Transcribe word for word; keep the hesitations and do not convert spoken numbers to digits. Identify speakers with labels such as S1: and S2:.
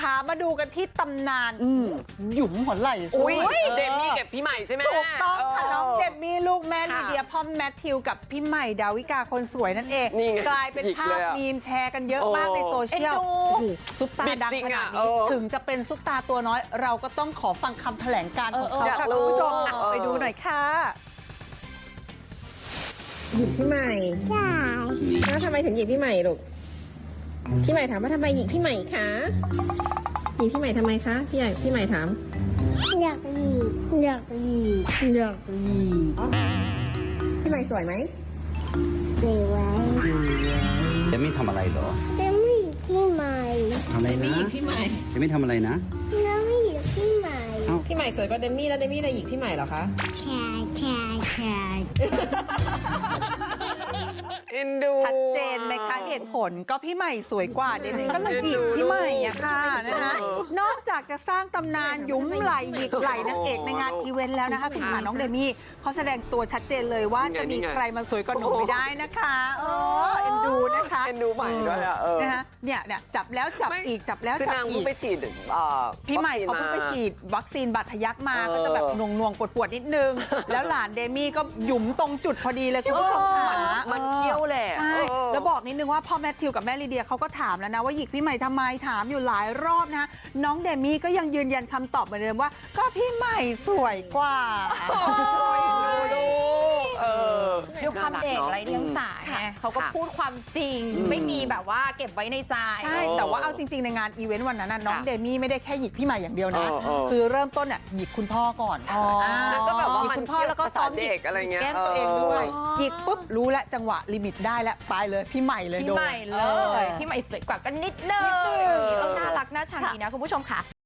S1: คะมาดูกันที่ตำนานหยุมหัวไหล่
S2: อุ้ยเดมี่เก็บพี่ใหม่ใช่ไหม
S1: ถูกต้องค่ะน้องเดมี่ลูกแม่
S2: ค่ะ
S1: ลีเดียพ่อมแมทธิวกับพี่ใหม่ดาวิกาคนสวยนั่นเอง
S2: นี่ไง
S1: กลายเป็น
S2: หยิก
S1: ภา
S2: เล
S1: พ
S2: ยอะ
S1: มีมแชร์กันเยอะ
S2: โอ้
S1: มากในโซเชียล
S3: เอ็นดู
S1: โอ้โหซุปตา
S2: บิด
S1: ดัง
S2: จริง
S1: ขนา
S2: อะ
S1: ดนี้
S2: เออ
S1: ถึงจะเป็นซุปตาตัวน้อย เราก็ต้องขอฟังคำแถลงการณ์ของเขา
S2: อยาก
S1: ค่ะ
S2: รู้
S1: คุณผู้ชมอ่ะ
S2: เออ
S1: ไปดูหน่อยค่ะ
S4: หยิกพี่ใหม่ใช่แล้วทำไมถึงหยิกพี่ใหม่ลูก พี่ใหม่ถามว่าทำไมหยิกพี่ใหม่คะ หยิกพี่ใหม่ทำไมคะ พี่ใหญ่พี่ใหม่ถาม
S5: อยากหยีอยากหยีอยากหยี
S4: พี่ใหม่สวยไหม
S5: เก็บไว้
S6: เดมี่ทำอะไรเหรอ
S5: แล้วไม่หยีพี่ใหม่
S6: ทำอะไรนะ
S4: พี่ใหม่
S6: เดมี่ทำอะไรนะ
S5: แล้วไม่หยีพี่ใหม่
S4: พี่ใหม่สวยกว่าเดมี่แล้วเดมี่เลยหยิกพี่ใหม่เหรอคะ
S5: แชร์แชร์แชร์
S2: เอ็นดู
S1: ชัดเจนไหมคะเหตุผลก็พี่ใหม่สวยกว่าเดมี่ก็เลยหยิกพี่ใหม่อะค่ะนะคะนอกจากจะสร้างตำนานยุ้มไหลหยิกไหลนางเอกในงานอีเวนต์แล้วนะคะคุณหาน้องเดมี่เขาแสดงตัวชัดเจนเลยว่าจะมีใครมาสวยกว่าหนูไม่ได้นะคะเออเอ็นดูนะคะ
S2: เอ็นดูใหม่ด้วยอะเออ
S1: นะคะเนี่ยเนี่ยจับแล้วจับ
S2: ไม่
S1: อีกจับแล้ว
S2: คือ
S1: จับ
S2: นาง
S1: อี
S2: เพิ่ง
S1: ก
S2: ไปฉีดเอ่อ
S1: พี่ใหม่เขา
S2: วัค
S1: เพิ่ง
S2: ซีน
S1: ไปฉีดวัคซีนบาดทะยักมา
S2: เออ
S1: ก็จะแบบหน่วงๆปวดๆนิดนึง แล้วหลานเดมี่ก็หยุมตรงจุดพอดีเลยคุณผู้ชมค่ะ
S2: มันเที่ยวแหละ
S1: ใช่
S2: เออ
S1: แล้วบอกนิดนึงว่าพ่อแมทธิวกับแม่ลีเดียเขาก็ถามแล้วนะว่าหยิกพี่ใหม่ทำไมถามอยู่หลายรอบนะน้องเดมี่ก็ยังยืนยันคำตอบเหมือนเดิมว่า ก็พี่ใหม่สวยกว่า
S2: ดูดูเออ
S3: ด้วยความเด็กไร้เดียงสาไงเขาก็
S2: ค่ะ
S3: พูดความจริง
S2: อืม
S3: ไม่มีแบบว่าเก็บไว้ในใจ
S1: ใช่ แต่ว่าเอาจริง ๆ ในงานอีเวนต์วันนั้นน่ะน้อง
S2: ค่ะ
S1: เดมี่ไม่ได้แค่หยิกพี่ใหม่อย่างเดียวนะ
S2: เออเออ
S1: คือเริ่มต้นเนี่ยหยิกคุณพ่อก่อน
S3: อ๋ออ่
S1: า
S2: แล้วก็แบบว่า
S1: หยิ
S2: มัน
S1: คุณพ่อแล้วก็ซ้อมหยิ
S2: เด็กอะไรเงี้ย
S1: แก้มตัวเองด้วย
S3: อ๋อ
S1: หยิกปุ๊บรู้แล้วจังหวะลิมิตได้แล้วไปเลยพี่ใหม่เลย
S3: พี่
S1: โดน
S3: ใหม่เล
S1: ออ
S3: ยพี่ใหม่สวยกว่ากันนิดนึง
S1: นิดนึง
S3: เออน่ารักน่าชังดีนะคุณผู้ชมค่ะ